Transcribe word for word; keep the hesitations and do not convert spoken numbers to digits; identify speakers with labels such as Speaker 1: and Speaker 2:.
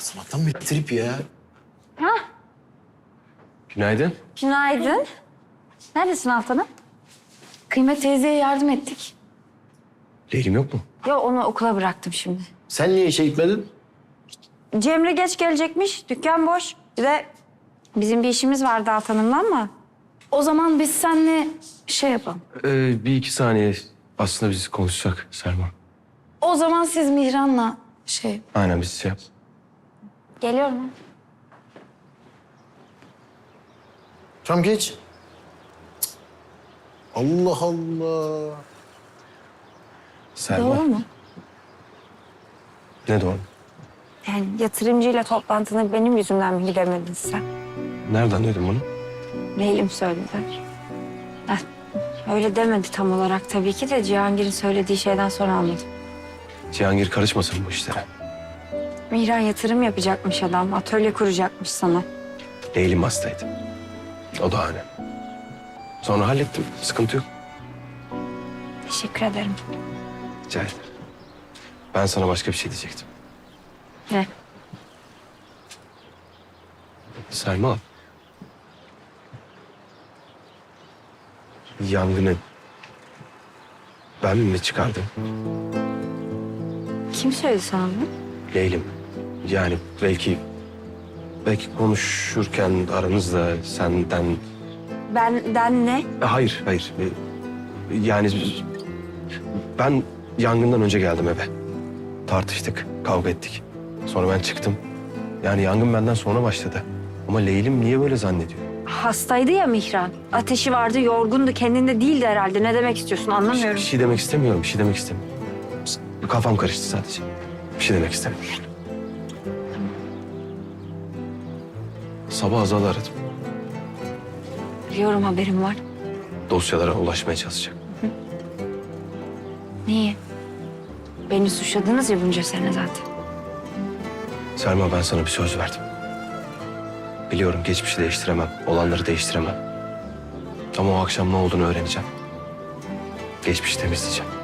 Speaker 1: Sabahtan bir trip ya.
Speaker 2: Ha,
Speaker 3: Günaydın.
Speaker 2: günaydın. Neredesin Altan'ım? Kıymet teyzeye yardım ettik.
Speaker 3: Leylim yok mu?
Speaker 2: Ya onu okula bıraktım şimdi.
Speaker 1: Sen niye işe gitmedin?
Speaker 2: Cemre geç gelecekmiş, dükkan boş. Bir de bizim bir işimiz vardı Altan'ımla ama... O zaman biz seninle şey yapalım.
Speaker 3: Ee, bir iki saniye aslında biz konuşacak Selma.
Speaker 2: O zaman siz Mihran'la şey...
Speaker 3: Aynen biz şey yap.
Speaker 2: Geliyor mu?
Speaker 1: Tamam geç. Cık. Allah Allah.
Speaker 3: Selma.
Speaker 2: Doğru mu?
Speaker 3: Ne doğru?
Speaker 2: Yani yatırımcıyla toplantına benim yüzümden mi gidemedin sen?
Speaker 3: Nereden duydun bunu?
Speaker 2: Leylim söyledi. Ha, öyle demedi tam olarak tabii ki de Cihangir'in söylediği şeyden sonra anladım.
Speaker 3: Cihangir karışmasın bu işlere.
Speaker 2: Mihran yatırım yapacakmış adam, atölye kuracakmış sana.
Speaker 3: Leylim hastaydı. O da hani. Sonra hallettim. Sıkıntı yok.
Speaker 2: Teşekkür ederim.
Speaker 3: Rica ederim. Ben sana başka bir şey diyecektim.
Speaker 2: Ne?
Speaker 3: Selma. Yangını ben mi çıkardım?
Speaker 2: Kim söyledi sana bunu?
Speaker 3: Leylim. Yani belki belki konuşurken aranızda senden...
Speaker 2: Benden ne?
Speaker 3: E, Hayır, hayır. E, Yani ben yangından önce geldim eve. Tartıştık, kavga ettik. Sonra ben çıktım. Yani yangın benden sonra başladı. Ama Leylim niye böyle zannediyor?
Speaker 2: Hastaydı ya Mihran. Ateşi vardı, yorgundu, kendinde değildi herhalde. Ne demek istiyorsun
Speaker 3: Bir
Speaker 2: anlamıyorum.
Speaker 3: şey demek istemiyorum, bir şey demek istemiyorum. Kafam karıştı sadece. Bir şey demek istemiyorum. Sabah Azal'ı aradım.
Speaker 2: Biliyorum, haberim var.
Speaker 3: Dosyalara ulaşmaya çalışacak.
Speaker 2: Niye? Beni suçladınız ya bunca sene zaten.
Speaker 3: Selma, ben sana bir söz verdim. Biliyorum geçmişi değiştiremem, olanları değiştiremem. Ama o akşam ne olduğunu öğreneceğim. Geçmişi temizleyeceğim.